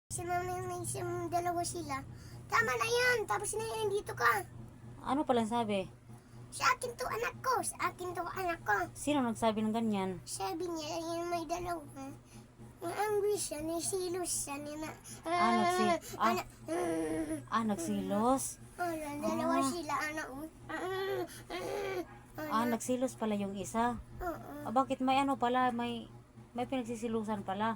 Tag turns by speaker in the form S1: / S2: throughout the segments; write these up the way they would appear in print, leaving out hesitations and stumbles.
S1: Dalawa sila. Tama na yan. Tapos na yan. Dito ka.
S2: Ano palang sabi?
S1: Sa akin to anak ko. Sa akin to anak ko.
S2: Sino nagsabi ng ganyan?
S1: Sabi niya, yan may dalawa. Ang angry siya, nasilos siya.
S2: Nagsilos?
S1: Dalawa sila, anak mo.
S2: Nagsilos pala yung isa. Bakit may ano pala? May pinagsisilusan pala.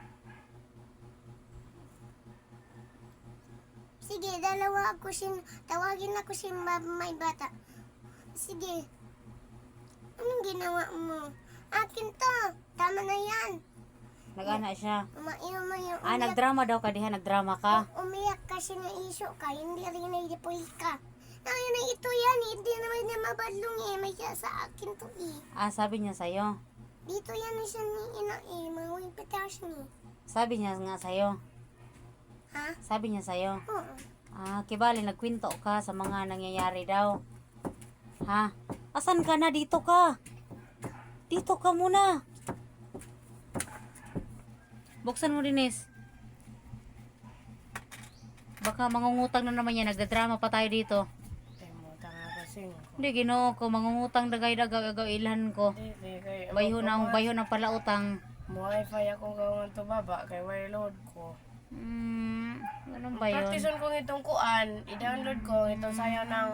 S1: Sige, tawagin ako si may bata. Sige. Anong ginawa mo? Akin to. Tama na yan.
S2: Nag-ana siya.
S1: Umiyak.
S2: Nagdrama daw ka diha. Nagdrama ka.
S1: Umiyak kasi na iso ka. Hindi rin na-deploy ka. Na ito yan. Hindi naman niya mabadlong eh. May siya sa akin to eh.
S2: Sabi niya sa'yo.
S1: Dito yan siya ni ina eh. Mga pitas ni.
S2: Sabi niya nga sa'yo.
S1: Ha?
S2: Sabi niya sa'yo.
S1: Oo.
S2: Kibali, nagkwento ka sa mga nangyayari daw. Ha? Asan ka na? Dito ka. Dito ka muna. Buksan mo, Denise. Baka mangungutang na naman yan. Nagdadrama pa tayo dito. Hindi, ginoo ko. Mangungutang dagay-dagaw ilhan ko. Bayho na pala utang.
S3: Mo-wifi ako gawang to baba. Kay may load ko.
S2: Ganun ba yun?
S3: Practiceon ko itong kuan. I-download ko itong sayaw ng...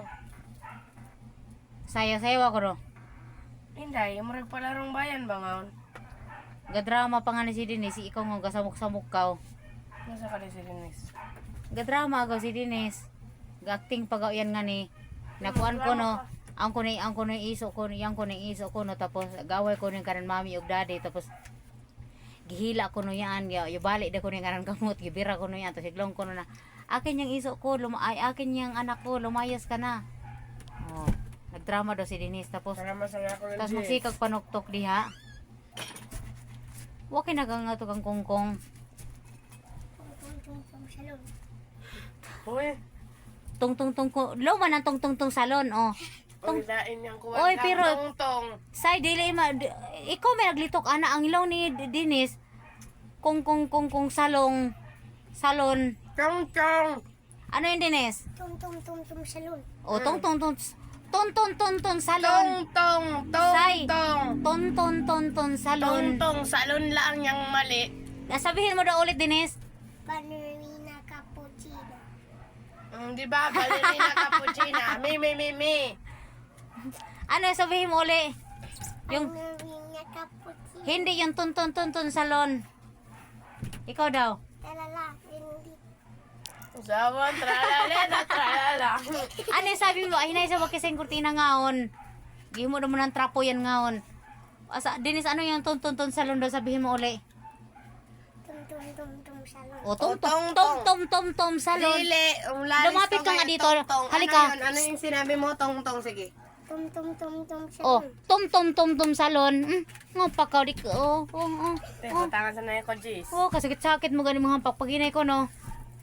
S2: Sayaw ako ro.
S3: Hindi, murag palarong bayan ba ngaon?
S2: Gadrama pa nga ni si Denise. Ikaw nga gasamok-samok ka.
S3: Nasa ka si Denise?
S2: Gadrama ako si Denise. Gacting pagaw yan nga ni. Nakuan ko no. Ang ko na iso ko no. Tapos gaway ko ni kanan mami ug daddy. Tapos gihila ko no yan. Balik da ko ni kanan kamot. Gibira ko no yan. Tapos iglong ko no na. Akin yung iso ko. Akin yung anak ko. Lumayas ka na. Oh. Nagdrama daw si Denise. Tapos magsikag panuktok diha. Waki nagang ato kang kongkong.
S3: Uy,
S2: Tong ko. Luma ng tong salon, oh.
S3: pagdain niyang kuwan
S2: Oy,
S3: ka,
S2: pero
S3: tong.
S2: say dili ikaw may naglitok ana ang ilaw ni Denise. Kong salon.
S3: Tong.
S2: Ano yung Denise?
S1: Tum salon.
S2: Oh, tong salon. Say. Ton salon.
S3: Tong salon lang yang mali.
S2: Nasabihin mo daw ulit, Denise.
S1: Ballerina cappuccino.
S3: Di ba? Ballerina cappuccina. Mi.
S2: Ano sabihin mo ulit? Yung
S1: Ballerina cappuccino.
S2: hindi yung ton salon. Ikaw daw.
S1: Talala. Hindi.
S3: Usawan, tralala.
S2: Ano yung sabi mo? Ay, naisa wag kasing kurtina ngaon. Gihimo mo ng trapo yan ngaon. Denise, ano yung ton salon daw? Sabihin mo uli.
S1: Tum salon.
S2: O, tom salon.
S3: Dili,
S2: Lumapit ka nga dito. Halika.
S3: Ano yung sinabi mo? Tong, sige.
S1: Tum salon.
S2: Oh, tom salon. Ngapakaw di ko.
S3: Tangan sa naya ko, Jis.
S2: Kasakit-sakit mo ganing mga pagpaginay ko, no?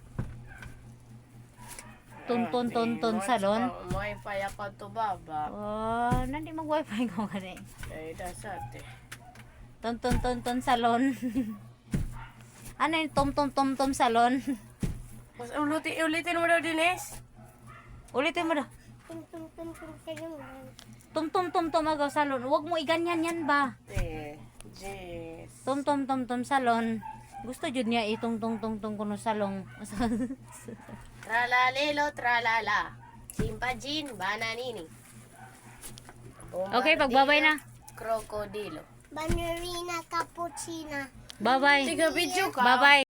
S2: Ton salon.
S3: Wifi ako to baba.
S2: Nandi mag-wifi ko gani.
S3: Ay, dasate.
S2: Ton salon. Ano yung tom salon?
S3: Mas ulitin mo daw, Denise.
S2: Ulitin mo daw.
S1: Tum
S2: Tom agaw salon. Huwag mo iganyan yan ba?
S3: Jis.
S2: Tom salon. Gusto jud niya itong kuno salong.
S3: Tralalelo, tralala. Chimpajin, bananini.
S2: Okay, pagbabay na.
S3: Krokodilo.
S1: Ballerina cappuccino.
S2: Bye-bye.
S3: Tiga video ka.
S2: Bye-bye.